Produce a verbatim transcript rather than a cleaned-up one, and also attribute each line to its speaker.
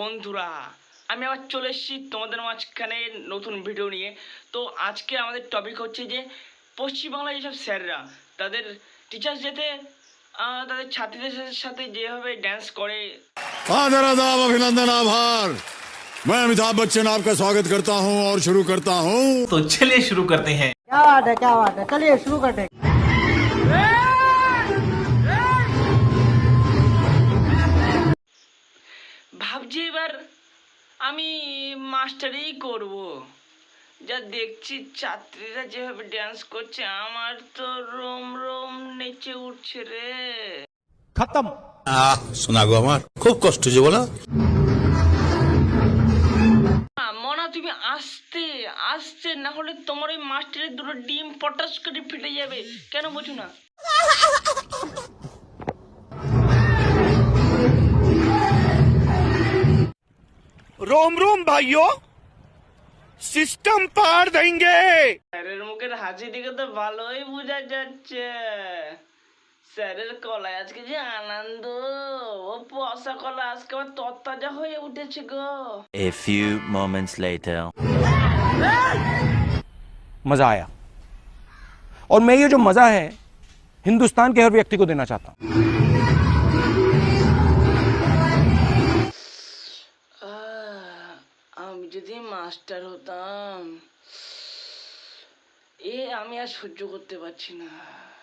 Speaker 1: বন্ধুরা, আমি আবার চলে এসেছি তোমাদের মাঝখানে নতুন ভিডিও নিয়ে। তো আজকে আমাদের টপিক হচ্ছে যে পশ্চিমবাংলায় যেসব স্যাররা তাদের টিচার্স ডেতে তাদের ছাত্রীদের সাথে যেভাবে ড্যান্স করে।
Speaker 2: आदर आदाब अभिनंदन आभार। मैं अमिताभ बच्चन आपका स्वागत करता हूं और शुरू करता हूं।
Speaker 3: तो चलिए शुरू करते हैं।
Speaker 4: क्या बात है, क्या बात है, चलिए शुरू करते हैं।
Speaker 1: ভাবছি এবার আমি মাস্টারই করব। যা দেখছি ছাত্রীরা যেভাবে ড্যান্স করছে আমার তো রোম রোম নেচে উঠছে রে।
Speaker 5: खत्म।
Speaker 2: सुना गो हमार खूब कष्ट जो बोला।
Speaker 1: মনা তুমি আসতে আসতে না হলে তোমার ওই মাস্টারের দুটো ডিম পটাশ করে ফেটে যাবে, কেন বোঝো না?
Speaker 5: रोम रोम भाइयों, सिस्टम पार देंगे।
Speaker 1: স্যারের মুখের হাসি দিকে তো ভালোই বোঝা যাচ্ছে স্যারের কলায় আজকে যে আনন্দ, ও পয়সা কলা আজকে আবার তরতাজা হয়ে উঠেছে গো।
Speaker 6: A few moments later.
Speaker 5: मजा आया और मैं ये जो मजा है हिंदुस्तान के हर व्यक्ति को देना चाहता हूं।
Speaker 1: আহ, আমি যদি মাস্টার হতাম, এ আমি আর সহ্য করতে পারছি না।